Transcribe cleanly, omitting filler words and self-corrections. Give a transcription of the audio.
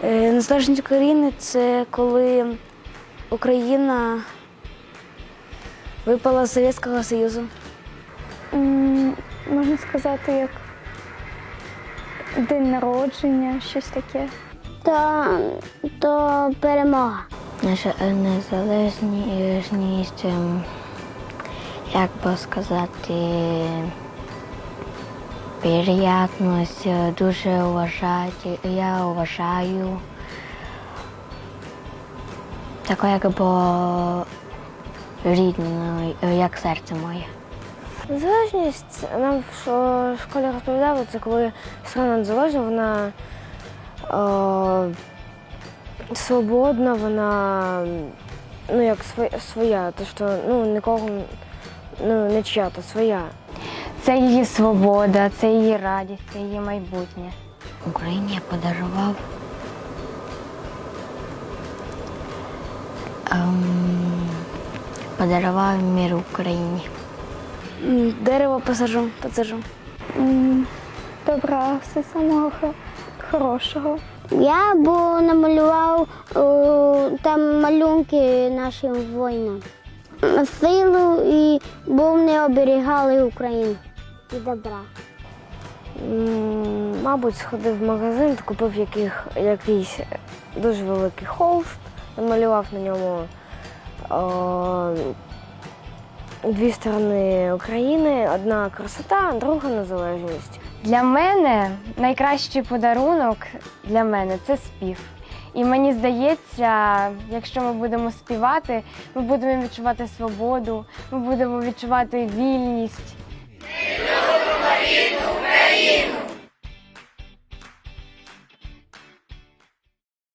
Незалежність України – це коли Україна випала з Совєтського Союзу. Можна сказати, як день народження, щось таке. То перемога. Наша незалежність, як би сказати, приємність, дуже я вважаю. Таке якби рідне, як серце моє. Незалежність, нам в школі розповідали, це коли страна незалежна, вона свободна, вона як своя, то що нікого не чия-то, своя. Це її свобода, це її радість, це її майбутнє. Україні я подарував мир Україні. Дерево посаджу. Добра, все самого хорошого. Я намалював там малюнки нашим воїнам. Силу і вони оберігали Україну і добра. Мабуть, сходив в магазин, купив якийсь дуже великий холст, намалював на ньому дві сторони України, одна красота, друга незалежність. Для мене найкращий подарунок це спів. І мені здається, якщо ми будемо співати, ми будемо відчувати свободу, ми будемо відчувати вільність. Ми любимо Україну!